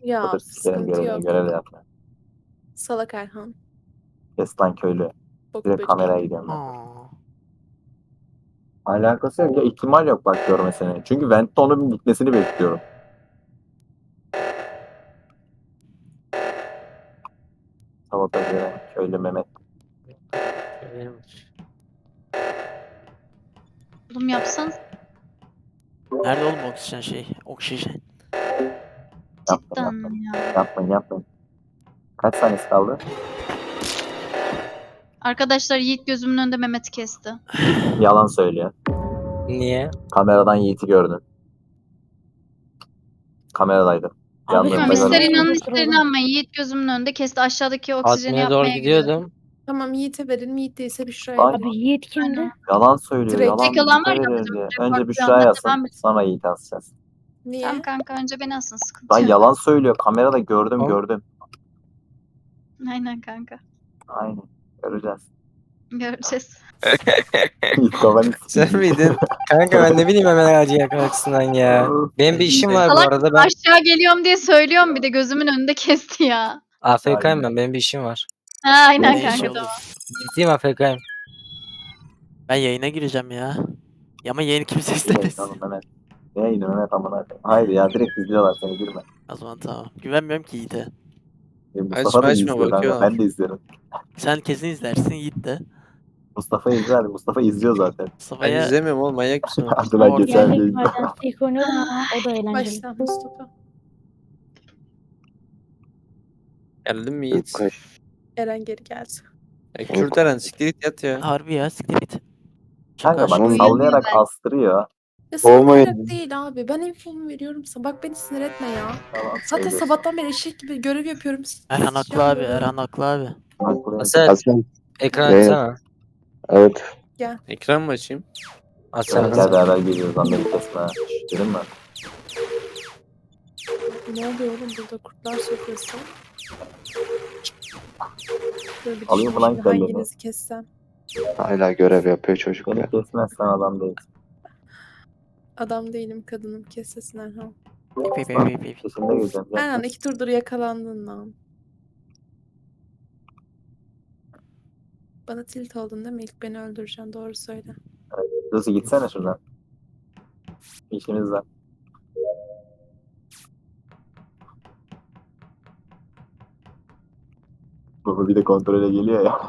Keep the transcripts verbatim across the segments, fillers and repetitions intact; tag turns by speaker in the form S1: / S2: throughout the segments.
S1: Ya
S2: Otur sikerim
S1: sıkıntı
S2: görevine
S1: yok.
S2: görev yap.
S1: Salak Erhan.
S2: Kes lan köylü.
S1: Bok
S2: Direkt
S1: böceği.
S2: kameraya gidiyorum ben.
S3: Aa.
S2: Alakası yok ya, ihtimal yok bak görmesine. Çünkü Vent'te onun bitmesini bekliyorum. Sabotaj gören köylü Mehmet.
S4: Oğlum yapsanız
S3: Nerede oğlum oksijen şey? Oksijen.
S2: Yapmayın
S4: cidden
S2: yapmayın.
S4: ya.
S2: Yapmayın yapmayın. Kaç saniyesi kaldı?
S4: Arkadaşlar Yiğit gözümün önünde Mehmet'i kesti.
S2: Yalan söylüyor.
S5: Niye?
S2: Kameradan Yiğit'i gördün. Kameradaydı.
S5: Abi
S2: Yanlarında
S4: Tamam
S5: sen
S2: görmedim.
S4: ister
S5: niye
S4: inanın
S5: impostor
S4: ister
S5: oldun?
S4: inanmayın. Yiğit gözümün önünde kesti. Aşağıdaki oksijeni
S5: Admin'e doğru
S4: yapmaya gidiyordu.
S5: gidiyordum.
S1: Tamam Yiğit'e verin. Yiğit değilse Büşra'ya
S2: Lan
S1: verin.
S5: Abi Yiğit kimdi?
S4: Aynen.
S2: yalan söylüyor.
S1: Direkt
S2: Yalan
S4: tek yalan
S2: Yiğit'e
S4: var ya,
S2: veriyoruz diye.
S4: report
S2: Önce
S4: bir
S2: Büşra
S4: anda
S2: yazsın.
S4: devam et.
S2: Sonra Yiğit asacağız.
S1: Niye?
S4: Tamam kanka önce beni asın
S2: Lan
S4: sıkıntı yok.
S2: yalan söylüyor. Kamerada gördüm
S5: Tamam.
S2: gördüm.
S4: Aynen kanka.
S2: Aynen. Göreceğiz.
S4: Göreceğiz.
S2: Yiğit babanı
S5: Sen miydin? Kanka ben ne bileyim hemen ağacı yakalaksından ya. Benim bir işim var bu
S4: Salak
S5: arada ben
S4: aşağı geliyorum diye söylüyorum bir de gözümün önünde kesti ya.
S5: A F K'yim ben benim bir işim var.
S4: Ha, aynen
S3: Ne işi
S4: kanka
S3: oğlum?
S4: tamam.
S5: Ciddiyim A F K'yim.
S3: Ben yayına gireceğim ya. Ya ama yayını kimse
S2: Yine
S3: istemez.
S2: tamam Mehmet. Ne yine Mehmet amına koyayım. Hayır ya direkt izliyorlar seni girme.
S3: O zaman tamam. Güvenmiyorum ki Yiğit'e.
S2: E, Mustafa
S6: Açma,
S2: da
S6: açma,
S2: izliyor kanka.
S6: bakıyorlar.
S2: Ben de izlerim.
S3: Sen kesin izlersin Yiğit de.
S2: Mustafa izler. Mustafa izliyor zaten.
S6: Ben
S3: Mustafa'ya
S6: izlemiyorum oğlum, manyak mısın oğlum?
S2: Hadi lan
S3: Orada.
S2: geçen de
S7: Geldik
S2: izliyor.
S7: maden ilk oynuyorum ama o da eğlenceli.
S1: Başla Mustafa.
S6: Geldin mi Yiğit?
S1: Eren geri geldi.
S6: Ya, Kürteren siktir git yat ya.
S3: harbi ya siktir git.
S2: Kanka bak
S4: Uyuyamıyor
S2: sallayarak
S4: belki.
S2: astırıyor.
S1: Ya sallayarak değil abi. Ben infomu veriyorum sana. Bak beni sinir etme ya.
S2: Tamam,
S1: Zaten
S2: söylüyorsun.
S1: sabahtan beri eşek gibi görev yapıyorum.
S3: Erhan haklı abi. Erhan haklı abi.
S2: Haklı.
S5: Asel
S8: Hasan,
S5: ekran
S8: Evet.
S5: açsana.
S8: evet.
S6: Ekran mı açayım?
S5: Açsana.
S2: Evet, gel beraber geliyoruz lan beni kesme. Dedim mi?
S1: Ne oluyor oğlum burada kurtlar sofrası? Böyle bir
S2: Alayım
S1: düşüneyim
S2: falan
S1: şimdi
S2: kelleni.
S1: hanginizi kessem.
S8: Hala görev yapıyor çocuk
S2: Beni
S8: ya.
S2: kesmezsen adam değilsin.
S1: Adam değilim kadınım kessesin Erhan.
S3: İp ip ip ip ip.
S2: Peşinde geleceğim. Gel.
S1: Erhan iki turdur yakalandın lan. Bana tilt oldun değil mi? İlk beni öldüreceksin. Doğru söyle.
S2: Lucy gitsene şuradan. İşimiz var. Bu bir de kontrole geliyor ya.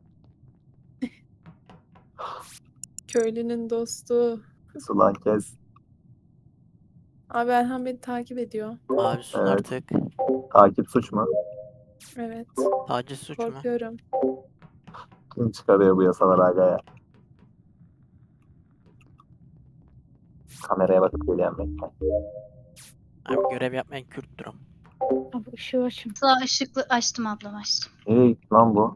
S1: Köylünün dostu.
S2: Sulan kes.
S1: Abi Erhan beni takip ediyor.
S3: Abi sus
S2: Evet.
S3: artık.
S2: Takip suç mu?
S1: Evet.
S3: Taciz suç mu?
S1: Korkuyorum.
S2: Kim çıkarıyor bu yasaları aga ya? Kameraya bakıp geliyorum bekle.
S3: Abi görev yapmayan Kürttür o.
S7: Abi ışığı açın.
S4: Sağ ışıklı açtım ablam açtım.
S2: Nereye gitti lan bu?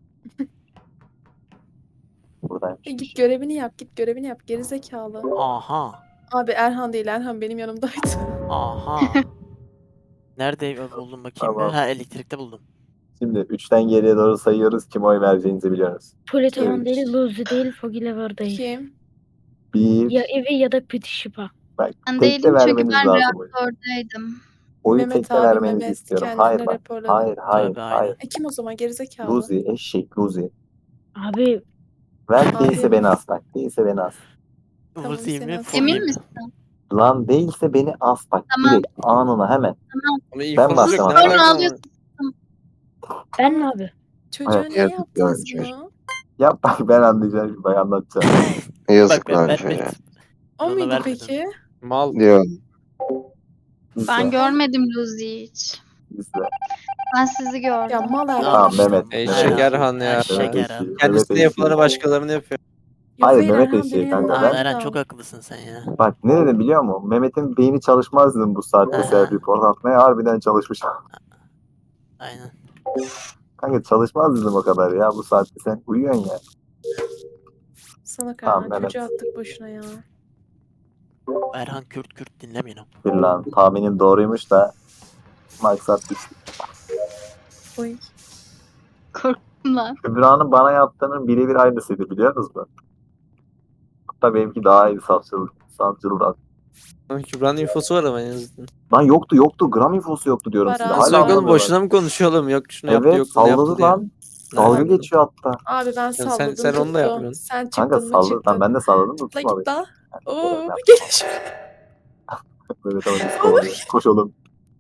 S2: Buradaymış.
S1: E git görevini yap. Git görevini yap. Geri zekalı.
S3: Aha.
S1: Abi Erhan değil. Erhan benim yanımdaydı.
S3: Aha. Nerede buldum bakayım
S2: Tamam.
S3: bir. Ha elektrikte buldum.
S2: Şimdi üçten geriye doğru sayıyoruz. Kim oy vereceğinizi biliyoruz.
S7: Politoman
S2: Üç.
S7: değil, Luzi değil, Foggy Lever değil.
S1: Kim?
S2: Bir.
S7: Ya evi ya da Piti Şipa.
S2: Bak
S4: Ben
S2: tekte
S4: değilim çünkü
S2: vermeniz
S4: ben
S2: lazım oyu.
S4: reaktördeydim.
S2: Oyu
S1: Mehmet
S2: tekte
S1: abi,
S2: vermenizi
S1: Mehmet
S2: istiyorum.
S1: kendine
S2: Hayır bak.
S1: raporladı.
S2: Hayır hayır
S3: Tabii,
S2: hayır.
S3: aynen.
S1: E kim o zaman? Geri zekalı.
S2: Luzi eşek Luzi.
S7: Abi
S2: Ver
S1: Abi.
S2: değilse beni as bak. Değilse beni as.
S1: Tamam,
S3: Vuzi
S1: seni
S3: mi?
S1: asıyorum.
S3: Fogi
S4: Emin
S3: mi?
S4: misin?
S2: Lan değilse beni as bak.
S4: Tamam.
S2: Direkt anına hemen.
S4: Tamam.
S6: Ama infomuz
S2: bastım
S6: yok, ne
S2: abi.
S4: Sonra
S6: alaka?
S4: alıyorsun.
S7: ben mi abi?
S1: Çocuğa
S2: Evet,
S1: niye
S8: yazık
S1: yaptınız
S8: ya,
S1: bunu?
S2: Yap bak ben anlayacağım şimdi bak anlatacağım.
S8: Yazık
S3: Bak
S8: lan
S3: ben,
S8: çocuğa.
S3: ben,
S1: O
S3: Ona
S1: muydu
S3: vermedim.
S1: peki?
S6: Mal.
S8: Diyor.
S2: İzle,
S4: Ben görmedim Luzi'yi hiç.
S2: izle.
S4: Ben sizi gördüm.
S1: Ya mal Erhan.
S2: Tamam,
S3: işte
S2: Mehmet.
S3: bu.
S6: Eşek Erhan ya.
S3: Eşek
S2: Mehmet
S3: Erhan.
S2: eşeği.
S6: Kendisine
S2: Mehmet
S6: yapılanı
S2: eşeği.
S6: başkalarına yapıyor.
S1: Yok
S2: Hayır,
S1: hayır
S2: Mehmet
S1: Erhan
S2: eşeği
S1: benim
S2: kanka,
S1: yanımdaydı
S3: Tamam
S2: ben-
S3: Eren
S1: da.
S3: çok haklısın sen ya.
S2: Bak ne dedim biliyor musun? Mehmet'in beyni çalışmaz dedim bu saatte
S3: Aha.
S2: self report atmaya. Harbiden çalışmış.
S3: Aynen.
S2: Kanka çalışmaz dedim o kadar ya bu saatte sen uyuyorsun ya.
S1: Salak
S2: Tamam,
S1: Erhan.
S2: Mehmet.
S1: Çocuğu attık boşuna ya.
S3: Erhan Kürt Kürt dinlemeyin o.
S2: Bir lan tahminim doğruymuş da maksat işte.
S1: Oy.
S4: Korktum lan.
S2: Kübra'nın bana yaptığının birebir aynısıydı biliyor musunuz? Hatta benimki daha iyi savcılık, savcılık
S6: Kübra'nın infosu var ama en azından.
S2: Lan yoktu yoktu. Gram infosu yoktu diyorum
S1: Var
S2: size.
S1: abi.
S6: Nasıl
S2: Hala
S6: yok oğlum,
S2: anlamıyorlar.
S6: boşuna mı konuşuyor oğlum? Yok şunu yaptı,
S2: Evet
S6: yok bunu yaptı
S2: salladı
S6: diye.
S2: lan. Dalga
S6: Nerede?
S2: geçiyor hatta.
S1: Abi ben salladım.
S6: sen- sen onu da
S1: tuttu.
S6: yapmıyorsun.
S1: Sen
S2: Kanka
S1: çıktın mı
S2: salladı.
S1: çıktın.
S2: Tamam ben de salladım da
S1: La
S2: tutmadı.
S1: git la.
S2: Yani,
S1: Oo,
S2: yani,
S1: geliş.
S2: Böyle tamam biz kovalıyor. Koş oğlum.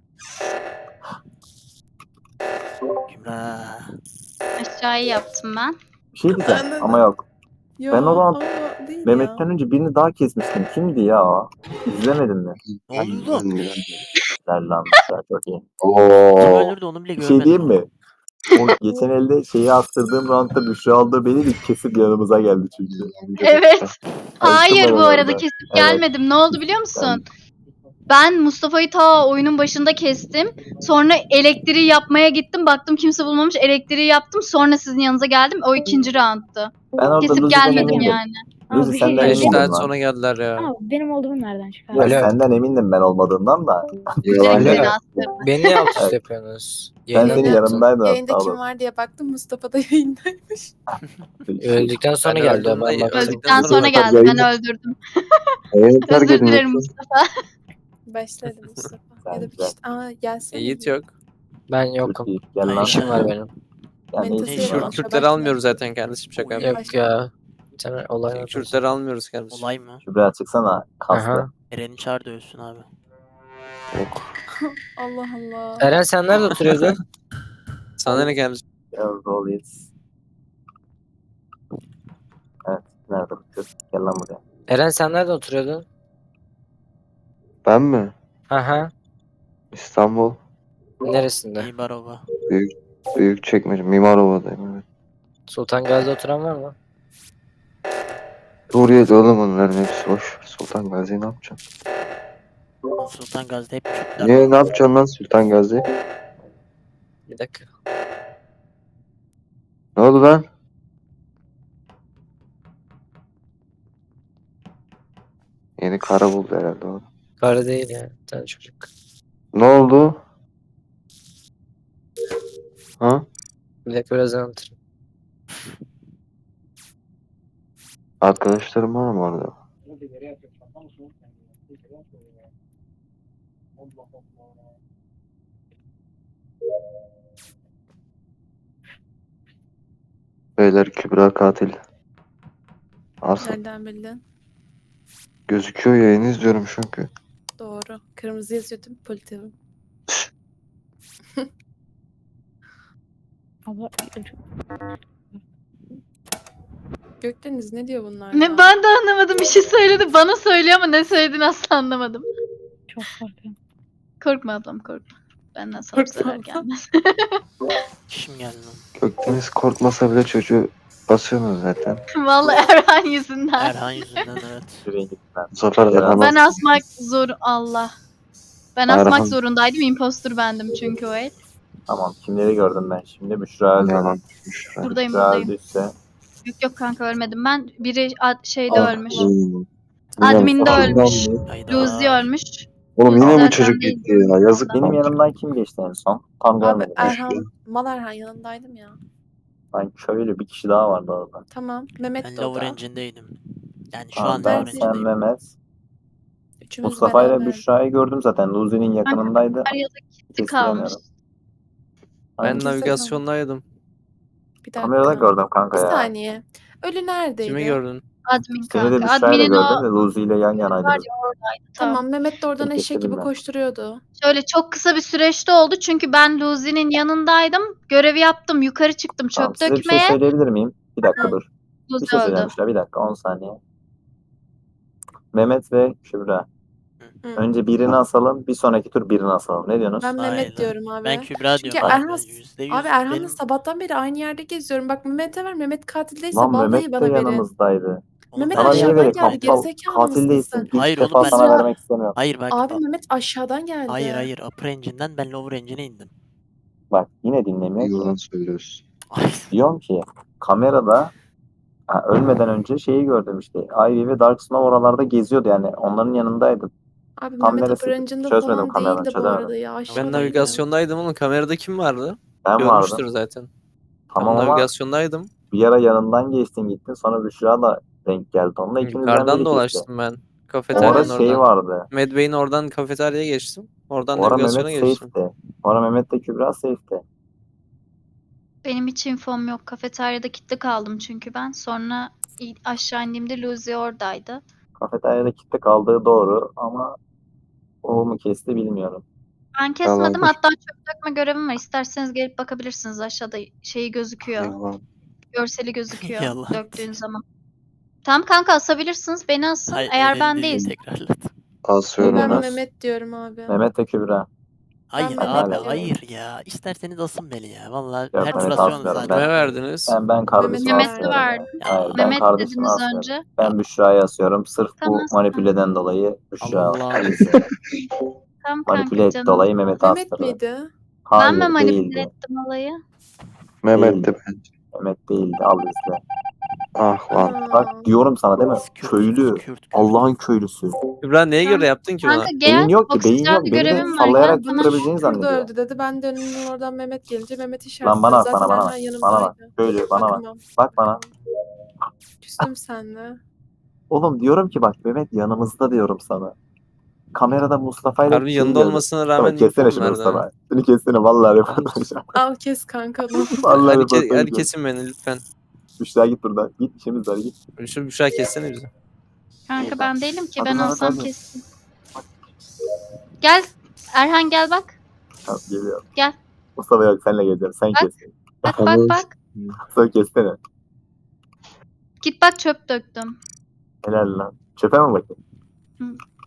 S3: Kübra.
S4: Aşağıyı yaptım ben.
S2: Bir şey diyeceğim
S1: Anladım.
S2: ama yok.
S1: Yo,
S2: Ben o zaman
S1: o değil
S2: Mehmet'ten
S1: ya.
S2: önce birini daha kesmiştim. Kimdi ya o? İzlemedin mi?
S3: Ne oldu oğlum?
S2: Güzel lan. Güzel, çok iyi.
S3: Kim
S8: Oo.
S3: öldürdü onu bile
S2: Bir
S3: görmedim.
S2: şey diyeyim
S3: ama.
S2: mi? O geçen elde şeyi attırdığım roundda Büşra aldı beni bir kesip yanımıza geldi çünkü.
S4: Evet. Hayır
S2: ben
S4: bu arada
S2: orada.
S4: kesip
S2: Evet.
S4: gelmedim. Ne oldu biliyor musun? Ben Mustafa'yı ta oyunun başında kestim. Sonra elektriği yapmaya gittim. Baktım kimse bulmamış. Elektriği yaptım. Sonra sizin yanınıza geldim. O ikinci roundtu.
S2: Ben orada
S4: Kesip
S2: Luzi'den
S4: gelmedim
S2: emindim.
S4: yani.
S2: Luzi
S7: Abi bir şey
S2: senden
S6: Ben
S7: diyeceğim.
S6: işte
S2: emindim lan.
S6: sonra geldiler ya.
S7: Ama benim olduğumu nereden
S2: Ben
S7: çıkardın?
S5: Öyle.
S2: senden emindim ben olmadığından da.
S8: Yalan
S4: Direkt
S5: Alo.
S4: beni
S8: ya.
S4: astırdı.
S5: Beni niye alt üst
S2: Evet.
S5: yapıyorsunuz?
S2: Ben
S5: Yayına
S2: senin
S5: mı yaptın?
S2: yanındaydım
S1: Yayında
S2: hatta
S1: kim
S2: oğlum.
S1: var diye baktım. Mustafa da yayındaymış.
S5: Öldükten sonra
S6: Ben
S5: geldi o,
S6: öldüm
S5: ben
S6: de-
S5: baktım.
S4: Öldükten sonra
S8: Zaten
S4: geldi. Ben
S8: yayını-
S4: öldürdüm.
S8: Yayını terk
S4: Özür
S8: edin
S4: dilerim
S8: lütfen.
S4: Mustafa.
S1: Başladı Mustafa.
S2: Güzel,
S1: Ya da bir
S2: güzel.
S1: kişi. Aa gelsene.
S6: Yiğit yok.
S5: Ben
S2: Çok
S5: yokum.
S2: iyi. Gel
S3: Ay,
S2: lan.
S5: İşim var benim.
S2: Yani
S1: Mentos
S2: ne
S3: Ne
S2: işin
S3: işi
S2: var?
S3: var?
S6: Kürtleri almıyoruz zaten kardeşim, şaka
S3: Yok.
S6: yapıyorum.
S5: Yok ya. Bir tane olay var.
S6: Kürtleri almıyoruz kardeşim.
S3: Olay mı?
S2: Kübra çıksana. Kaslı.
S5: Aha.
S3: Eren'i çağır da ölsün abi.
S1: Allah Allah.
S5: Eren sen nerede oturuyordun?
S6: Sana ne kardeşim?
S2: Biraz doluyuz. Evet. Nerede bu kız? Gel lan buraya.
S5: Eren sen nerede oturuyordun?
S8: Ben mi?
S5: Aha.
S8: İstanbul.
S5: Neresinde?
S3: İbarova.
S8: Büyük Büyükçekmece. Mimarova'dayım. Evet.
S5: Sultan Gazi'de oturan var mı?
S8: Suriye'de oğlum onların hepsi boş. Sultan Gazi'yi ne yapacaksın?
S3: Sultan Gazi'de hep Kürtler
S8: Niye
S3: var.
S8: ne yapacaksın lan Sultan Gazi?
S5: Bir dakika.
S8: Ne oldu lan? Yeni kara buldu herhalde o.
S5: Karı değil ya. Bir tane çocuk.
S8: Ne oldu? Ha?
S5: Bir dakika biraz anlatırım.
S8: Arkadaşlarım var mı orada? Beyler Kübra katil. Asıl
S1: Nereden bildin?
S8: gözüküyor, yayını izliyorum çünkü.
S1: Doğru. Kırmızı yazıyor değil mi politivim?
S7: Abla,
S1: Gökdeniz ne diyor bunlar ya?
S4: Ne ben de anlamadım. Bir şey söyledi. Bana söylüyor ama ne söylediğini asla anlamadım.
S7: çok korkuyorum.
S4: Korkma ablam korkma. Benden sana bir
S1: Korkma
S4: zarar
S1: ablam.
S4: gelmez.
S3: Kişim geldi lan.
S8: Gökdeniz korkmasa bile çocuğu basıyorsunuz zaten.
S4: Vallahi Erhan yüzünden.
S3: Erhan yüzünden evet.
S2: Şuraya git lan.
S8: Bu sefer Erhan
S4: Ben asmak zor Allah. Ben
S8: Erhan-
S4: asmak zorundaydım. Impostor bendim çünkü o el.
S2: Tamam. Kimleri gördüm ben şimdi? Büşra öldü.
S8: yalan. Şuraya.
S4: Buradayım
S2: Büşra
S4: buradayım.
S2: öldüyse.
S4: Yok yok kanka ölmedim ben. Biri ad- şeyde
S1: Allah
S4: ölmüş.
S8: Hmm.
S4: Admin'de
S8: Yine-
S4: ölmüş.
S3: Hayda.
S4: Luzi ölmüş.
S8: Oğlum yine
S4: Zaten
S8: bu çocuk
S4: değil.
S8: gitti ya. Yazık.
S2: Benim yanımdan kim geçti en son? Tam
S1: Abi
S2: görmedim.
S1: Erhan, Mal Erhan yanındaydım ya.
S2: Ben köylü bir kişi daha vardı orada.
S1: Tamam. Mehmet
S3: Ben
S1: de
S3: Lower
S1: orada.
S3: Engine'deydim. Yani şu
S2: Tamam,
S3: an
S2: ben,
S3: Lower
S2: sen,
S3: Engine'deyim.
S2: Mehmet.
S1: Üçümüz
S2: Mustafa ile
S1: beraber.
S2: Büşra'yı gördüm zaten. Luzi'nin yakınındaydı.
S4: Ya da gitti
S2: Kestiremiyorum.
S4: kalmış.
S6: Ben
S2: Aynen.
S1: Kimse
S6: navigasyondaydım.
S1: Bir dakika.
S2: Kamerada gördüm kanka
S1: Bir
S2: ya.
S1: saniye. Ölü neredeydi?
S6: Kimi gördün?
S4: Admin
S2: Seni de
S4: kanka.
S2: Büşra'yla
S4: Admin'in
S2: gördüm
S4: o
S2: de Luzi ile yan
S4: var
S2: yanaydınız.
S4: ya oradaydı.
S1: Tamam Mehmet de oradan
S2: Peki,
S1: eşek gibi
S2: bilmem.
S1: koşturuyordu.
S4: Şöyle çok kısa bir süreçte oldu çünkü ben Luzi'nin yanındaydım. Görevi yaptım. Yukarı çıktım
S2: Tamam,
S4: çöp
S2: size bir şey
S4: dökmeye.
S2: söyleyebilir miyim? Bir dakika
S4: Hı.
S2: dur. Bir
S4: Luzi
S2: şey söyleyeceğim
S4: öldü.
S2: Büşra. Bir dakika on saniye. Mehmet ve Kübra.
S1: Hı.
S2: Önce birini asalım. Bir sonraki tur birini asalım. Ne diyorsunuz?
S1: Ben Mehmet
S3: Aynen.
S1: diyorum abi.
S3: Ben Kübra
S1: Çünkü
S3: diyorum.
S1: Erhan,
S3: Aynen, yüzde yüz
S1: abi Erhan'la
S3: benim-
S1: sabahtan beri aynı yerde geziyorum. Bak Mehmet'e ver. Mehmet katil değilse
S2: Lan
S1: vallahi
S2: Mehmet de
S1: bana verin.
S2: yanımızdaydı.
S3: Oğlum
S1: Mehmet
S3: ben
S2: Sana niye
S1: aşağıdan
S2: vereyim?
S1: geldi,
S2: Aptal
S1: gerizekalı
S2: katil
S1: mısın
S2: değilsin.
S1: sen?
S2: İlk
S3: Hayır
S2: defa
S3: oğlum, ben-
S2: sana
S1: Ya-
S2: vermek istemiyorum.
S3: Hayır bak.
S1: Abi
S3: a-
S1: Mehmet aşağıdan geldi.
S3: Hayır hayır. Upper Engine'den ben Lower Engine'e indim.
S2: Bak yine dinlemiyor ki.
S8: Yalan söylüyorsun.
S3: Ay,
S2: Diyorum ki kamerada ha, ölmeden önce şeyi gördüm işte. Ivy ve Dark Snow oralarda geziyordu yani. Onların yanındaydı.
S1: Abi
S2: Tam
S1: Mehmet
S2: neresi?
S1: Apırancı'nda
S2: Çözmedim
S1: falan
S2: kameradan,
S1: değildi bu
S2: çözemedim.
S1: arada ya. Aşağıdan
S6: Ben
S1: geldi.
S6: navigasyondaydım oğlum. Kamerada kim vardı?
S2: Ben
S6: Görmüştür
S2: vardım.
S6: zaten.
S2: Tamam
S6: ben
S2: ama
S6: navigasyondaydım.
S2: bir ara yanından geçtin gittin. Sonra Büşra da denk geldi onunla. İkinizden
S6: Yukarıdan
S2: biri geçti.
S6: dolaştım ben.
S2: O
S6: Kafeteryanın
S2: ara şey
S6: oradan.
S2: vardı.
S6: Medbay'in oradan kafeteryaya geçtim. Oradan
S2: O ara
S6: navigasyona
S2: Mehmet
S6: geçtim.
S2: safe'ti. O ara Mehmet de Kübra safe'ti.
S4: Benim hiç infom yok. Kafeteryada kilitli kaldım çünkü ben. Sonra i- aşağı indiğimde Luzi oradaydı.
S2: Kafeteryada kitle kaldığı doğru ama o mu kesti bilmiyorum.
S4: Ben kesmedim.
S8: Yalandır.
S4: Hatta çöp dökme görevim var. İsterseniz gelip bakabilirsiniz. Aşağıda şeyi gözüküyor.
S8: Yalan.
S4: Görseli gözüküyor
S3: Yalan.
S4: döktüğün zaman. Tamam kanka, asabilirsiniz. Beni asın.
S3: Hayır,
S4: Eğer
S3: öyle
S4: ben
S3: değil,
S4: değilsem.
S3: tekrarlat.
S8: Asıyorum
S1: Ben
S8: ben.
S1: Mehmet diyorum abi.
S2: Mehmet ve Kübra.
S3: Hayır
S1: Mehmet
S3: abi
S2: diyorum.
S3: hayır ya. İsterseniz asın beni ya. Vallahi
S2: Yok,
S3: her tur
S2: Mehmet
S3: asıyorsunuz
S2: asmıyorum
S3: zaten.
S6: Kime
S2: ben.
S6: verdiniz?
S2: Ben ben kardeşimi
S1: Mehmet'e
S2: asmıyorum.
S4: verdim.
S2: ya.
S3: Ya,
S2: Hayır ben
S4: Mehmet
S2: kardeşimi
S4: dediniz
S2: asmıyorum.
S4: önce.
S2: Ben Büşra'yı asıyorum. Sırf
S4: Tamam,
S2: bu manipüleden dolayı Büşra
S3: Allah.
S2: Alice.
S4: Tamam
S2: Manipüle
S4: kanka
S2: etti
S4: canım.
S2: dolayı Mehmet'i
S1: Mehmet
S2: astırdı.
S1: miydi?
S2: Hayır
S4: Ben mi manipüle
S2: değildi.
S4: ettim olayı?
S8: Mehmet'ti bence.
S2: Mehmet değildi. Al izle.
S8: Ah lan.
S1: Aa.
S2: Bak diyorum sana değil mi?
S3: Biz Kürt,
S2: Köylü.
S3: Kürt, Kürt.
S2: Allah'ın köylüsü.
S6: Kübra neye
S4: Tamam.
S6: göre yaptın ki bunu?
S4: Kanka gel.
S2: Beyin yok ki, beyin
S4: Oksijende
S2: yok. Beni de
S4: görevim var.
S2: sallayarak
S4: Gel
S1: Bana
S4: bana.
S2: tutturabileceğini
S1: şurada
S2: zannediyor.
S1: öldü dedi. Ben de önünün oradan Mehmet gelince Mehmet
S2: Lan
S1: işaretledi.
S2: bana bak,
S1: Zaten
S2: bana bana
S1: Erhan
S2: bak. Bana bak.
S1: yanımdaydı.
S2: Köylü bana bak.
S1: Bakamam.
S2: Bak bana.
S1: Küstüm seninle.
S2: Oğlum diyorum ki bak Mehmet yanımızda diyorum sana. Kamerada Mustafa ile
S6: Harbi
S2: şeyi
S6: yanında
S2: gördüm.
S6: olmasına
S2: Mustafa
S6: rağmen
S2: kessene
S6: infom
S2: şunu
S6: verdi ha.
S2: Mustafa. Şunu kessene vallahi röportaj yap.
S1: Al kes kanka. ne olur.
S2: Vallahi
S6: Hadi,
S2: röportaj
S6: ke hadi
S2: yap.
S6: kesin beni lütfen.
S2: Büşra git buradan. Git işimiz var git.
S6: Şu Büşra kessene bizi.
S4: Kanka ben değilim ki.
S2: Hadi
S4: Ben
S2: lan,
S4: olsam
S2: hadi.
S4: kesin. Gel. Erhan gel bak.
S2: Tamam geliyorum.
S4: Gel.
S2: Mustafa yok senle geleceğim. Sen
S4: Bak.
S2: kes.
S4: Bak bak bak.
S2: Mustafa kessene.
S4: Git bak, çöp döktüm.
S2: Helal lan. Çöpe mi bakayım?
S4: Hı.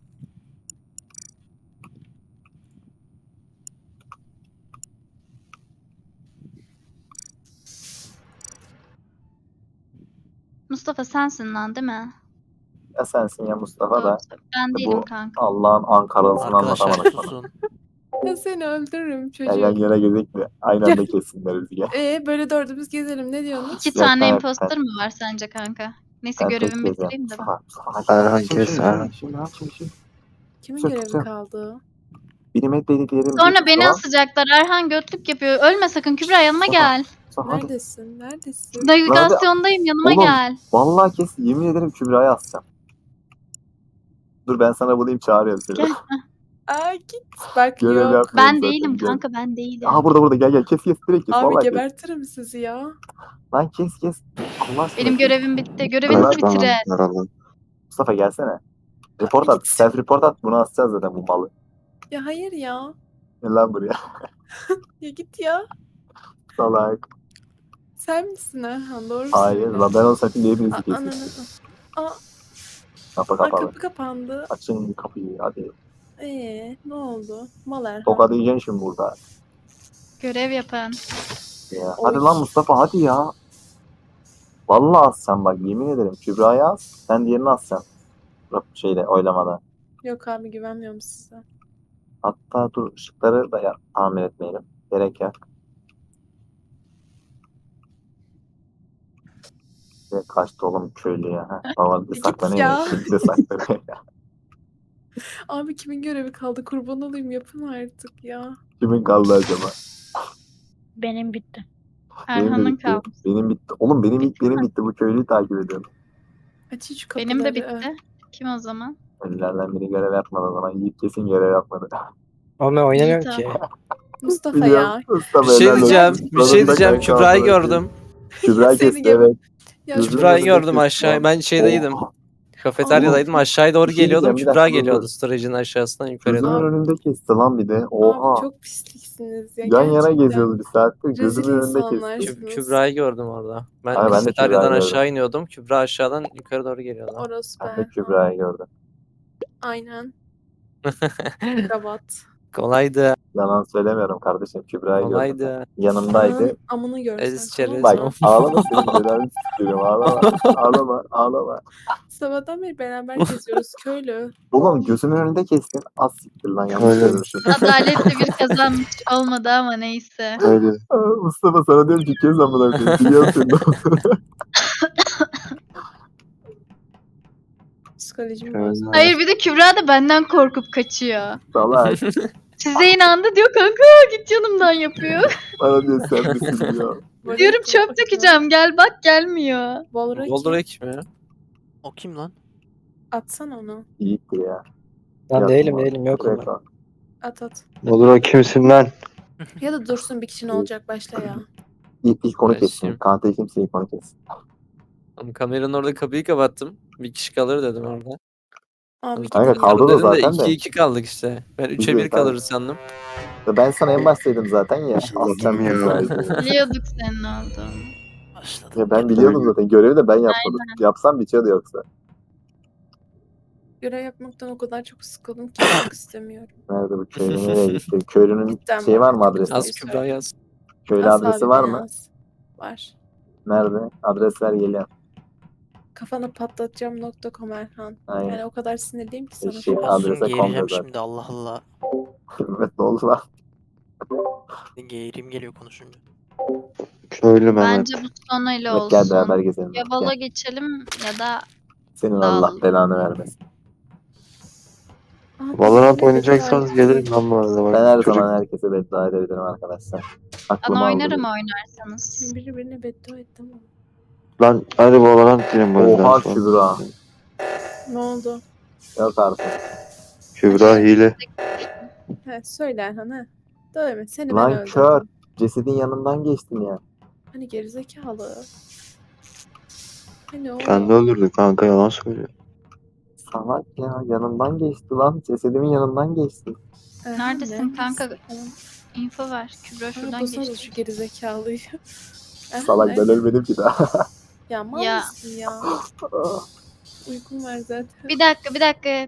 S4: Mustafa sensin lan değil mi?
S2: Ya sensin ya Mustafa da.
S4: Doğru. Ben
S2: İşte
S4: değilim
S2: bu
S4: kanka.
S2: Allah'ın Ankara'sını
S3: Arkadaşlar
S2: anlatamadık sana.
S3: susun.
S1: Ya seni öldürürüm
S2: Gel yan
S1: çocuğum.
S2: yana gezek de aynı anda kessinler bizi gel.
S1: Ee böyle dördümüz gezelim. Ne diyorsunuz?
S4: İki
S2: Yok,
S4: tane
S2: ben-
S4: imposter mı var sence kanka? Neyse
S2: Ben tek
S4: görevimi
S2: gezeceğim.
S4: bitireyim de ben.
S2: Mustafa, Mustafa hadi.
S8: Erhan
S2: Şimdi,
S8: kes
S2: şimdi,
S8: Erhan.
S2: Şimdi ne yapayım şimdi?
S1: Kimin
S2: Güzel,
S1: görevi
S2: güzel.
S1: kaldı?
S2: Benim et dediklerim.
S4: Sonra beni asacaklar. Erhan götlük yapıyor. Ölme sakın Kübra, yanıma gel.
S2: Hadi.
S1: Neredesin? Neredesin?
S4: Navigasyondayım, yanıma
S2: Oğlum.
S4: gel.
S2: Vallahi kes yemin ederim Kübra'yı asacağım. Dur ben sana bulayım çağırıyorum seni.
S4: Gel.
S1: Aa git. Bak
S2: Görev
S1: yok.
S2: yapmıyorum
S4: Ben
S2: zaten,
S4: değilim
S2: gel.
S4: kanka, ben değilim.
S2: Aha burada burada gel gel kes kes direkt kes.
S1: Abi
S2: Vallahi kes.
S1: gebertirim sizi ya.
S2: Lan kes kes. Allah aşkına.
S4: Benim
S2: kes.
S4: görevim bitti. Görevinizi
S2: Bırak
S8: Bırak
S4: bitirin.
S8: lan yaralı.
S2: Mustafa gelsene. Report at. Self report at. Bunu asacağız zaten bu malı.
S1: Ya hayır ya.
S2: Gel lan buraya.
S1: Ya git ya.
S2: Salak.
S1: Sen misin Erhan? Doğru
S2: Hayır
S1: söyle.
S2: lan ben olsam şimdi hepinizi
S1: Aa,
S2: kesin.
S1: ananı. Aa,
S2: Kapı
S1: aa,
S2: kapalı.
S1: kapı kapandı.
S2: Açın kapıyı hadi.
S1: Ee, ne oldu? Mal Erhan.
S2: Tokat yiyeceksin şimdi burada.
S4: Görev yapın.
S2: Ya.
S1: Oy.
S2: Hadi lan Mustafa hadi ya. Vallahi asacağım bak yemin ederim. Kübra'yı as. Sen diğerini asacaksın. Şeyde oylamada.
S1: Yok abi güvenmiyorum size.
S2: Hatta dur ışıkları da ya, tamir etmeyelim. Gerek yok. Ve kaçtı oğlum köylü ya. Ha. Baba bir de
S1: Git
S2: saklanıyor.
S1: ya.
S2: Bir de saklanıyor ya.
S1: Abi kimin görevi kaldı? Kurban olayım yapın artık ya.
S2: Kimin kaldı acaba?
S7: Benim bitti.
S2: Benim de
S4: Erhan'ın
S2: bitti.
S4: kaldı.
S2: Benim bitti. Oğlum benim ilk benim bitti. Bu köylüyü takip ediyorum.
S1: Açın şu kapıları.
S4: Benim de bitti. Kim o zaman?
S2: Ölülerden biri görev yapmadı o zaman. Yiğit kesin görev yapmadı.
S5: Oğlum ben oynamıyorum
S4: İyi,
S5: ki.
S1: Mustafa
S2: Biliyorum.
S1: ya.
S2: Mustafa
S6: Bir şey
S2: helal olsun.
S6: diyeceğim. Bir şey
S2: Sonunda
S6: diyeceğim.
S2: kanka
S6: Kübra'yı
S2: amına
S6: gördüm.
S2: Kübra
S1: Seni
S2: kesti
S1: gebe-
S2: evet.
S1: Ya
S2: Gözümün
S1: şu-
S6: Kübra'yı
S2: önünde
S6: gördüm
S2: kesti
S6: aşağı.
S2: lan.
S6: Ben şeydeydim.
S2: Oha.
S6: Kafeteryadaydım. Aşağıya doğru
S2: Bir şey
S6: geliyordum.
S2: diyeceğim, bir
S6: Kübra
S2: dakika, dur,
S6: geliyordu
S2: dur.
S6: storage'in aşağısından yukarı
S2: Gözümün
S6: doğru.
S2: önünde kesti lan bir de. Oha.
S1: Abi çok pisliksiniz ya.
S2: Yan yana
S1: gerçekten.
S2: geziyoruz bir saattir.
S1: Rezil
S2: Gözümün önünde
S1: insanlar.
S2: kesti.
S6: Kü- Kübra'yı gördüm orada. Ben
S2: Abi ben de
S6: kafeteryadan
S2: Kübra'yı
S6: aşağı iniyordum. Kübra aşağıdan yukarı doğru geliyordu.
S1: Orası
S2: Ben de
S1: ben.
S2: Kübra'yı gördüm.
S1: Aynen. Kravat.
S6: Kolaydı.
S2: Yalan söylemiyorum kardeşim. Kübra'yı gördüm.
S6: Kolaydı.
S2: Yanımdaydı.
S1: Ananın amını görsen.
S6: Eziz
S1: tamam
S6: çerez.
S1: mı?
S2: Bak ağlama senin belanı sikerim ağlama. Ağlama ağlama.
S1: Sabahtan beri beraber geziyoruz köylü.
S2: Oğlum gözümün önünde kestin. Az siktir lan yanlış
S8: Öyle.
S2: görmüşüm.
S4: Adaletli bir kazanmış olmadı ama neyse.
S8: Öyle.
S2: Aa, Mustafa sana diyorum ki kes amına koyayım. Biliyorum seni de olduğunu.
S1: Psikolojim
S8: Şöyle.
S1: bozuldu.
S4: Hayır, bir de Kübra da benden korkup kaçıyor.
S2: Salak.
S4: Size inandı diyor kanka, git yanımdan yapıyor.
S2: Bana diyor sen misin diyor.
S4: Diyorum çöp dökeceğim, gel bak, gelmiyor.
S1: Volraki.
S6: Goldrake mi?
S3: O kim lan?
S1: Atsan onu.
S2: İyidir ya.
S5: Lan
S2: Yok
S5: değilim
S2: mu?
S5: değilim yokum ben.
S2: Rekor.
S1: At at.
S8: Olur o kimsin lan?
S1: Ya da dursun bir kişi ne olacak başla ya.
S2: İlk, ilk konu
S6: Ben
S2: kessin.
S6: şimdi-
S2: Kante kimse ilk konu kessin.
S6: Oğlum kameranın orada kapıyı kapattım. Bir kişi kalır dedim orada.
S1: Abi
S2: Kanka
S1: gidin
S2: kaldı
S1: ya.
S2: da
S6: Dedim de
S2: zaten de.
S6: iki iki kaldık işte. Ben üçe
S2: Bizi-
S6: bir kalır sandım.
S2: Ben sana en baştaydım zaten ya.
S8: Allah'ım ya.
S2: Aslan
S4: Biliyorduk senin olduğunu.
S3: Başladım.
S2: Ya ben
S3: gene.
S2: biliyordum zaten. Görevi de ben yapmadım. Yapsam bitiyordu yoksa.
S1: Görev yapmaktan o kadar çok sıkıldım ki yapmak istemiyorum.
S2: Nerede bu köylü nereye gitti? Köylünün
S1: Cidden
S2: şeyi
S1: bak,
S2: var mı
S1: çok
S2: adresi?
S6: Az Kübra yaz.
S2: Köylü
S1: Az
S2: adresi
S1: abi
S2: var mı?
S1: beyaz. Var.
S2: Nerede? Adres ver geliyorum.
S1: Kafana patlatacağım nokta com Erhan.
S2: Aynen.
S1: Yani o kadar sinirliyim ki sana
S2: Eşek
S1: şu an.
S2: adrese
S3: Olsun
S2: kom
S3: geğireceğim
S2: yazar.
S3: şimdi Allah Allah.
S2: Evet ne oldu lan?
S3: Geğirim geliyor konuşunca.
S8: Köylü Mehmet.
S4: Bence bu sonuyla
S2: Evet gel beraber
S4: olsun.
S2: gezelim.
S4: Ya
S2: Gel.
S4: Valo geçelim ya da
S2: Senin Allah
S4: dağılalım.
S2: belanı vermesin.
S1: Abi,
S8: Valorant
S1: yine
S8: oynayacaksanız
S1: beddua
S8: gelirim
S1: ettim.
S8: lan bu arada. Bak,
S2: Ben her
S8: çocuk-
S2: zaman herkese beddua edebilirim arkadaşlar.
S4: ben
S2: Aklım aldı
S4: oynarım
S2: beni.
S4: oynarsanız.
S1: Şimdi biri birine beddua etti ama.
S8: Lan hadi Valorant diyelim bu arada.
S2: Oha
S8: Sonra.
S2: Kübra.
S1: Ne oldu?
S2: Yok artık.
S8: Kübra hile.
S1: He söyle Erhan he. Dövme seni ben
S2: Lan
S1: öldürdüm.
S2: kör. Cesedin yanından geçtin ya.
S1: Hani gerizekalı. Hani o.
S8: Kendi öldürdü kanka, yalan söylüyor.
S2: Salak ya yanından geçti lan. Cesedimin yanından geçti.
S1: Erhan,
S4: Neredesin kanka?
S1: Falan.
S4: Info ver. Kübra
S1: Şuradan
S4: şuradan
S1: bulsana
S4: geçti.
S1: şu gerizekalıyı. Erhan,
S2: Salak ben
S1: nerede?
S2: ölmedim ki daha.
S1: Ya mal
S4: Ya.
S1: mısın ya? Uykum var zaten.
S4: Bir dakika bir dakika.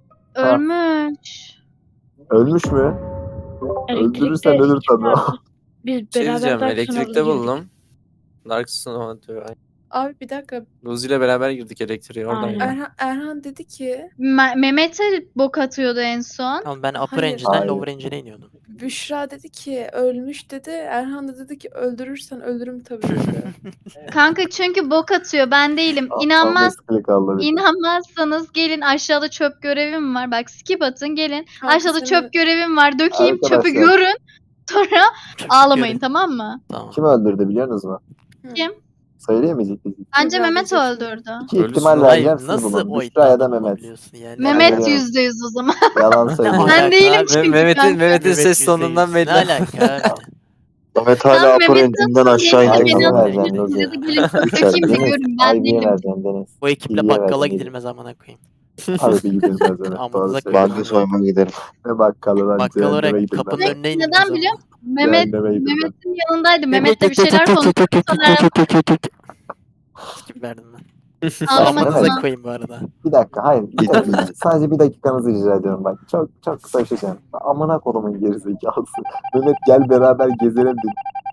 S4: Ölmüş.
S2: Ölmüş mü? Öldürürsen
S7: Elektrikte
S2: ölür tabii.
S7: biz
S6: Şey
S7: beraber
S6: diyeceğim,
S7: Dark
S6: elektrikte
S7: Snore'da girdik.
S6: buldum. Dark Snow diyor.
S1: Abi bir dakika.
S6: Luzi ile beraber girdik elektriğe oradan.
S7: Aynen.
S6: yani.
S1: Erhan, Erhan dedi ki
S4: Me- Mehmet'e bok atıyordu en son.
S3: Tamam ben upper
S1: Hayır.
S3: engine'den
S2: Hayır.
S3: lower engine'e iniyordum.
S1: Büşra dedi ki ölmüş dedi. Erhan da dedi ki öldürürsen ölürüm tabii dedi.
S4: Kanka çünkü bok atıyor. Ben değilim.
S2: Al-
S4: İnanmaz,
S2: al klik aldı bir de.
S4: inanmazsanız gelin aşağıda çöp görevim var. Bak skip atın gelin.
S1: Kanka
S4: Aşağıda
S1: seni-
S4: çöp görevim var. Dökeyim çöpü
S2: Arkadaşlar.
S4: görün. Sonra
S3: Çok
S4: ağlamayın
S3: göre-
S4: tamam mı?
S3: Tamam.
S2: Kim öldürdü biliyor musunuz?
S1: Hı.
S4: Kim?
S2: Söyleyemeyecek miyiz?
S4: Bence
S1: Kübra
S4: Mehmet
S1: diyeceksin.
S4: öldürdü.
S2: İki
S6: Ölüsün
S2: ihtimal
S6: lan.
S2: vereceğim
S3: Hayır
S2: siz
S3: nasıl
S2: bulun.
S3: o
S2: Büşra ya da
S3: iddiada
S2: Mehmet.
S3: bulunabiliyorsun yani?
S4: Mehmet
S2: biliyorum.
S4: yüzde yüz o zaman.
S2: Yalan
S3: Ne
S2: söylüyor.
S3: alaka
S4: Ben değilim
S3: abi?
S4: çünkü
S6: Mehmet'in
S4: kanka.
S6: Mehmet'in
S3: Mehmet
S6: ses
S3: yüzde
S6: tonundan
S3: yüz.
S6: belli.
S3: Ne alaka abi?
S8: Mehmet
S4: Tamam,
S8: hala upper
S4: Mehmet
S8: engine'den
S4: atın,
S8: aşağı
S4: gelin,
S2: Ay
S8: iniyor.
S2: niye
S4: beni
S2: vereceksin
S4: atın.
S2: Luzi?
S4: Ya da gelin çöp
S8: Üç
S4: dökeyim de
S8: Deniz.
S4: görün. Ben
S2: Ay niye
S4: değilim.
S2: vereceksin Deniz?
S3: Bu ekiple
S2: İyiye
S3: bakkala
S2: verdin, iyi.
S3: gidilmez amına koyayım.
S2: Hadi bir gidilmez öyle.
S3: Amınıza
S2: Doğru
S3: koyayım.
S2: söylüyorsun.
S8: Ben de soymaya giderim.
S2: Ne bakkalı lan
S3: Bakkal
S2: cehenneme
S3: olarak
S2: gidilmez.
S3: kapının önüne inilmez
S4: Neden
S3: ama.
S4: biliyor musun? Mehmet,
S2: Cehenneme gidilmez.
S4: Mehmet'in yanındaydı. Mehmet'le bir şeyler konuştuk.
S3: Skip verdim ben.
S4: Ağlama
S2: Mehmet.
S3: Amınıza
S4: tamam.
S3: koyayım bu arada.
S2: Bir dakika hayır. Bir dakika. Sadece bir dakikanızı rica ediyorum bak. Çok çok kısa bir şey söyleyeyim. Amına kodumun gerizekalısı. Mehmet gel beraber gezelim dedi.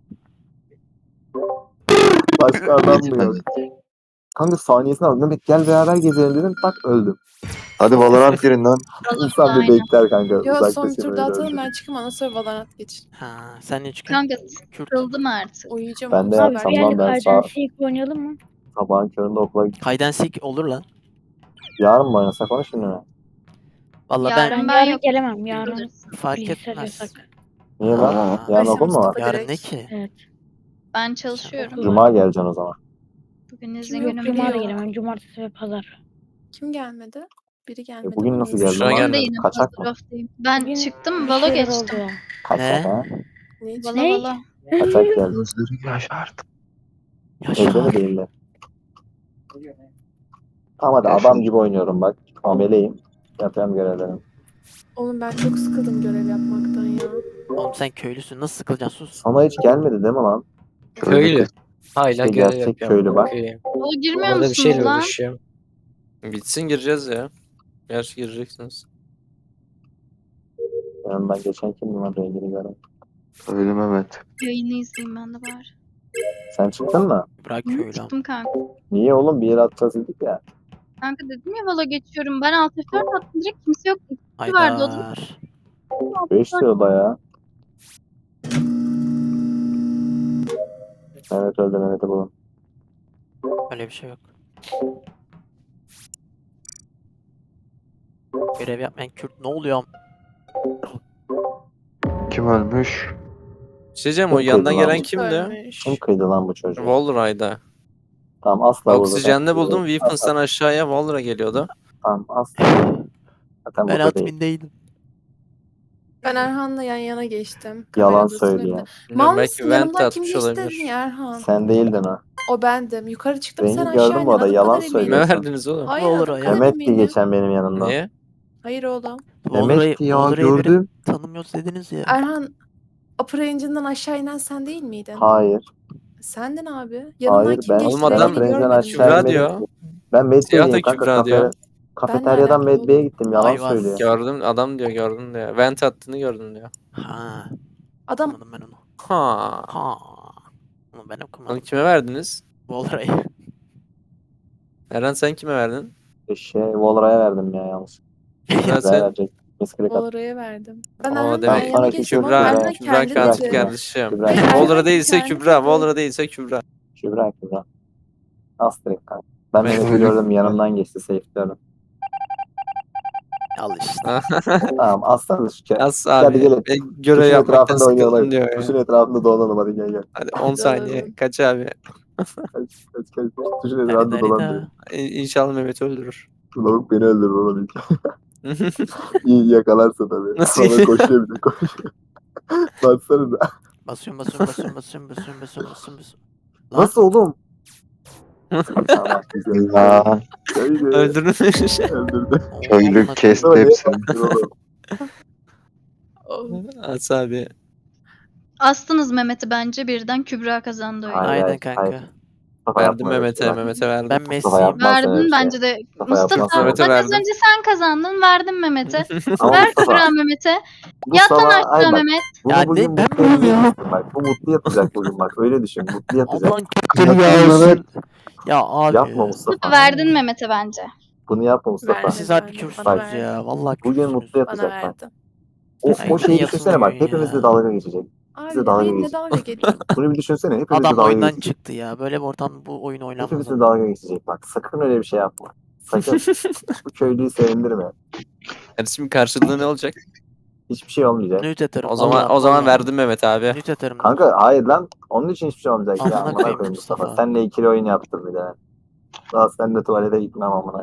S2: Başka adam mı yok? Kanka saniyesine bak. Mehmet gel beraber gezelim dedim. Tak öldüm.
S8: Hadi Valorant girin lan.
S2: İnsan bir
S4: Aynen.
S2: bekler kanka.
S1: Yo son
S2: Uzaklaşın
S1: turda
S2: öyle
S1: atalım
S2: öldüm.
S1: ben çıkayım ondan sonra Valorant geçin.
S3: Ha, sen ne çıkıyorsun?
S4: Kanka
S3: Kürt.
S4: sıkıldım artık.
S1: Uyuyacağım.
S2: Ben de
S1: oğlum,
S7: Abi
S2: yapsam
S7: bir
S1: sabah-
S2: lan
S7: el
S2: ben
S7: Ajan
S2: sağ-
S7: Seek oynayalım mı?
S2: Sabahın köründe okula
S3: Hide and seek olur lan.
S2: yarın mı oynasak onu şimdi mi?
S3: Valla
S4: Yarın
S3: ben
S7: Ben,
S4: ben
S7: yarın
S4: yok.
S7: gelemem. Yarın
S4: Bilirsin.
S3: fark
S7: bilgisayar
S3: etmez.
S7: yasak.
S2: Niye lan?
S3: Aa,
S2: Yarın
S1: Ayşe
S2: okul mu var?
S1: Mustafa
S3: yarın
S1: direkt.
S3: ne ki?
S7: Evet.
S4: Ben çalışıyorum.
S2: Cuma geleceksin o zaman.
S4: Bugün izin
S1: Yok,
S4: günüm
S7: Cuma da
S4: değil.
S7: gelemem. Cumartesi ve pazar.
S1: Kim gelmedi? Biri gelmedi.
S2: bugün
S1: ama
S2: nasıl
S1: neyse.
S2: geldin
S6: Büşra
S2: lan?
S6: gelmedi.
S4: Ben de yine
S2: Kaçak mı?
S4: hazır oftayım. Ben
S7: Bugün
S4: çıktım
S7: bir
S4: valo
S7: şeyler
S4: geçtim.
S7: oldu.
S2: Kaçak
S3: Ne?
S2: ha?
S1: Ne için?
S4: Valo
S7: Ne?
S4: valo.
S2: Kaçak geldi.
S8: Gözleri yaşardı.
S2: Evde mi
S3: Yaşar.
S2: değiller? Tamam hadi
S8: Yaşar.
S2: adam gibi oynuyorum bak. Ameleyim. Yapıyorum görevlerimi.
S1: Oğlum ben çok sıkıldım görev yapmaktan ya.
S3: Oğlum sen köylüsün nasıl sıkılacaksın sus.
S2: Sana hiç gelmedi değil mi lan?
S6: Köylü. Hala
S2: İşte
S6: görev
S2: gerçek
S6: yapıyorum.
S2: köylü bak.
S6: Okey.
S4: Valo girmiyor
S5: Orada bir
S4: musunuz
S5: şeyle
S4: lan?
S5: uğraşıyorum.
S6: Bitsin gireceğiz ya. Gerçi gireceksiniz.
S2: Yanımdan geçen kim lan rengini gören?
S8: Köylü Mehmet.
S4: Yayını izleyeyim ben de bari.
S2: Sen çıktın mı?
S3: Bırak
S4: Hı,
S3: köylü ama.
S4: Çıktım kanka.
S2: Niye oğlum bir yere atacağız dedik ya.
S4: Kanka dedim ya valo geçiyorum. Ben alt F dört attım direkt kimse yok. vardı o da.
S3: Haydar.
S2: beş diyor da ya. Evet öldü Mehmet'i bulun.
S3: Öyle bir şey yok. Görev yapmayan Kürt ne oluyor? am-
S8: Kim ölmüş?
S6: Bir şey diyeceğim o
S2: Kim
S6: yandan
S2: kıydı lan
S6: gelen
S2: bu?
S6: kimdi?
S1: Ölmüş.
S2: Kim kıydı lan bu çocuğu?
S6: Wallride'da.
S2: Tamam asla burada.
S6: Oksijende buldum. Weapons'tan aşağıya Wallra geliyordu.
S2: Tamam aslında. Zaten
S3: Ben
S2: burada değil.
S3: admindeydim.
S1: Ben Erhan'la yan yana geçtim. Kamera
S2: Yalan
S1: odasının
S2: söylüyor.
S1: önünde.
S6: Bilmiyorum,
S1: Mal
S6: belki
S1: mısın?
S6: vent
S1: Yanımdan kim
S6: atmış
S1: geçti
S6: olabilir.
S1: dedin ya Erhan?
S2: Sen değildin o.
S1: O bendim. Yukarı çıktım sen
S2: Rengi
S1: aşağı
S2: gördün mü
S1: indin.
S2: o da?
S1: Adım
S2: Yalan
S1: kadar eminim.
S2: söylüyor.
S6: Kime verdiniz oğlum?
S1: Hayır
S3: Olur
S1: adım
S3: o ya.
S1: kadar
S2: Mehmet diye
S1: eminim.
S2: geçen benim yanımda.
S6: Niye?
S1: Hayır oğlum.
S3: Volra'yı
S2: Mehmet'ti ya
S3: Volra'yı verin,
S2: gördüm.
S3: tanımıyoruz dediniz ya.
S1: Erhan upper engine'dan aşağı inen sen değil miydin?
S2: Hayır.
S1: Sendin abi. Yanından
S2: Hayır
S1: kim
S2: ben,
S1: geçti?
S6: Oğlum
S2: ben
S6: adam
S1: Rengini
S2: Upper Engine'den
S1: görmedim.
S2: aşağı
S6: Kübra
S2: inmedim
S6: diyor.
S2: ki. Ben Medbay'deyim
S6: Siyah da
S2: kanka.
S6: Kübra
S2: Kafe,
S6: diyor.
S2: kafeteryadan
S1: alaka oğlum?
S2: Medbay'e gittim. Yalan
S3: Ayvaz.
S2: söylüyor.
S6: Gördüm adam diyor gördüm diyor. Vent attığını gördüm diyor.
S1: Adam
S3: Ha, anladım ben onu.
S6: Ha.
S3: Ha. Onu ben
S6: Onu
S3: okumadım.
S6: kime verdiniz?
S3: Volra'yı.
S6: Eren sen kime verdin?
S2: Şey, Volra'ya verdim ya yalnız.
S6: Kübra
S2: Kübra'ya
S6: sen.
S2: verecek. Misklik at.
S1: Volra'ya verdim. Ben
S6: Aa,
S1: Erhan'la yan
S6: demek
S1: yana
S2: sonraki
S1: geçtim.
S2: Kübra,
S1: Oğlum
S6: Kübra,
S1: Erhan
S6: Kübra
S1: kendi
S6: katil
S1: dedi.
S6: kardeşim.
S2: Kübra.
S1: Hayır,
S6: Volra
S1: Erhan
S6: değilse
S1: kendi
S6: Kübra,
S1: dedi.
S6: Volra değilse Kübra.
S2: Kübra Kübra. As direkt kanka. Ben
S6: Ben-
S2: Mehmet'i gördüm yanımdan geçti safe'liyorum.
S3: Al işte.
S2: Tamam aslanız şu kere.
S6: As
S2: Hadi
S6: abi.
S2: gelin.
S6: Ben görev
S2: Kuşun
S6: yapmaktan
S2: etrafında
S6: sıkıldım
S2: oynayalım.
S6: diyor ya.
S2: Kuşun etrafında dolanalım hadi gel gel.
S6: Hadi on saniye.
S1: Dalalım.
S6: Kaç abi?
S2: Kaç kaç kaç. Kuşun
S3: Hadi
S2: etrafında dolan.
S3: Darina.
S6: İ- İnşallah Mehmet öldürür.
S2: Lavuk beni öldürür oğlum ilk. İyi yakalarsa tabii.
S6: Nasıl?
S2: Sonra koşuyor bir de koşuyor. Baksana da.
S3: Basıyorum basıyorum basıyorum basıyorum basıyorum basıyorum basıyorum basıyorum. Lan.
S2: Nasıl oğlum? Tamam güzel.
S8: Ya
S2: Öyle.
S6: Öldürmüş.
S2: Öldürdü.
S8: köylü kesti
S2: Ama ne
S8: hepsini.
S2: yaptın oğlum?
S1: Oh.
S6: As abi.
S4: Astınız Mehmet'i bence birden Kübra kazandı oyunu.
S2: Hayır,
S3: Aynen
S2: hayır,
S3: kanka.
S2: hayır. Mustafa
S6: Verdim
S2: yapma öyle
S6: Mehmet'e,
S2: şey bak.
S6: Mehmet'e verdim.
S3: Ben
S2: Mustafa
S3: Messi'yim.
S2: yapmaz öyle bir
S4: Verdin
S2: şey.
S4: bence de.
S2: Mustafa
S4: Mustafa
S2: yapmaz
S6: Mehmet'e
S4: bak az
S6: verdim.
S4: önce sen kazandın verdim Mehmet'e.
S2: Ama
S4: Ver
S2: Mustafa,
S4: Kübra Mehmet'e. Yat lan
S2: Mustafa, ay
S4: aşağı
S2: bak,
S4: Mehmet.
S2: bunu
S3: Ya
S2: bugün
S3: ne- ben
S2: mutlu
S3: miyim ya?
S2: edeceksin bak. Bu mutlu yatacak bugün bak. Öyle düşün. Mutlu yatacak.
S3: Ablan kötü ya olsun. Ya abi.
S2: Yapma Mustafa.
S4: Verdin Mehmet'e bence.
S2: Bunu yapma Mustafa.
S1: Vermedi,
S3: Siz harbi
S1: vermedi.
S3: kürsünüz
S1: Bana
S2: Bak,
S1: verdi.
S3: ya. Vallahi
S2: Bugün
S3: kürsünüz.
S2: mutlu
S1: Bana
S2: yatacak bak.
S1: verdi.
S2: O,
S3: Ay,
S2: o şeyi
S3: niye
S2: düşünsene bak.
S3: yatılmıyor
S2: Hepimizle
S3: ya?
S2: dalga geçecek. Bize
S1: Abi
S2: dalga
S1: benimle
S2: geçecek.
S1: dalga geçiyor.
S2: Bunu bir düşünsene. Hepimizle
S3: Adam
S2: dalga
S3: oyundan
S2: geçecek.
S3: çıktı ya. Böyle bir ortam bu oyun oynanmaz.
S2: Hepimizle
S3: ama.
S2: dalga geçecek bak. Sakın öyle bir şey yapma. Sakın. Bu köylüyü sevindirme.
S6: Yani şimdi karşılığı ne olacak?
S2: Hiçbir şey olmayacak.
S3: Nüt atarım.
S6: O zaman
S3: vallahi,
S6: o zaman
S3: vallahi.
S6: verdim Mehmet abi.
S3: Nüt atarım.
S2: Kanka hayır lan. Onun için hiçbir şey olmayacak ya.
S3: Amına
S2: Amına
S3: koyayım
S2: koyayım Mustafa.
S3: Mustafa.
S2: Seninle ikili oyun yaptım bir de. Daha sen de tuvalete gitmem amına.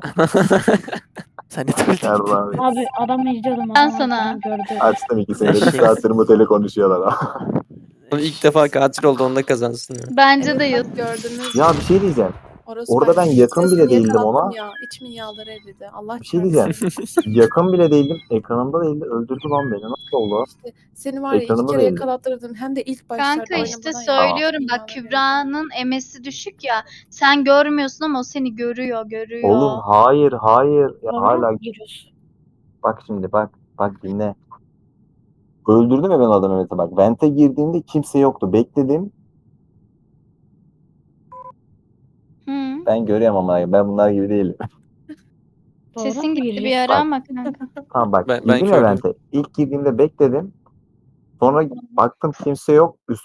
S3: Sen de tuvalete git.
S2: Yarrağım.
S7: Abi adamı izliyordum.
S4: Ben
S7: adam
S4: sana-
S7: arkadan gördü.
S2: Açtım ikisini de. Bir
S3: Eşek.
S2: saattir mutele konuşuyorlar.
S6: İlk defa katil oldu onda kazansın. ya.
S4: Bence de
S1: Evet,
S4: yıl.
S1: bak gördünüz
S2: ya
S1: mü?
S2: bir şey diyeceğim.
S1: Orası
S2: orada ben yakın bile
S1: Niye
S2: değildim
S1: kattım
S2: ona.
S1: Ya. İçimin yağları eridi. Allah
S2: Bir şey
S1: çarpsın.
S2: diyeceğim. Yakın bile değildim. Ekranımda değildi. Öldürdü lan beni. Nasıl oldu?
S1: İşte seni var ya iki
S2: Ekranımda
S1: kere
S2: değildi.
S1: yakalattırdım. Hem de ilk başlarda
S4: Kanka işte
S1: oynamadan ya.
S4: söylüyorum
S1: İçimin
S4: bak
S1: yağları eridi.
S4: Kübra'nın emesi düşük ya. Sen görmüyorsun ama o seni görüyor, görüyor.
S2: Oğlum hayır hayır. Ya
S7: Sonra
S2: hala
S7: giriyoruz.
S2: bak şimdi bak. Bak dinle. Öldürdüm ya ben adamı Mehmet'e bak. Vent'e girdiğimde kimse yoktu. Bekledim.
S4: Hı.
S2: Ben görüyorum ama ben bunlar gibi değilim.
S7: Doğru
S4: Sesin
S7: mu
S4: gitti bir
S7: gireceğiz?
S4: ara ama kanka.
S2: Tamam bak
S6: Ben- ben
S2: girdim ya
S6: kördüm.
S2: Vent'e. İlk girdiğimde bekledim. Sonra baktım kimse yok. Üst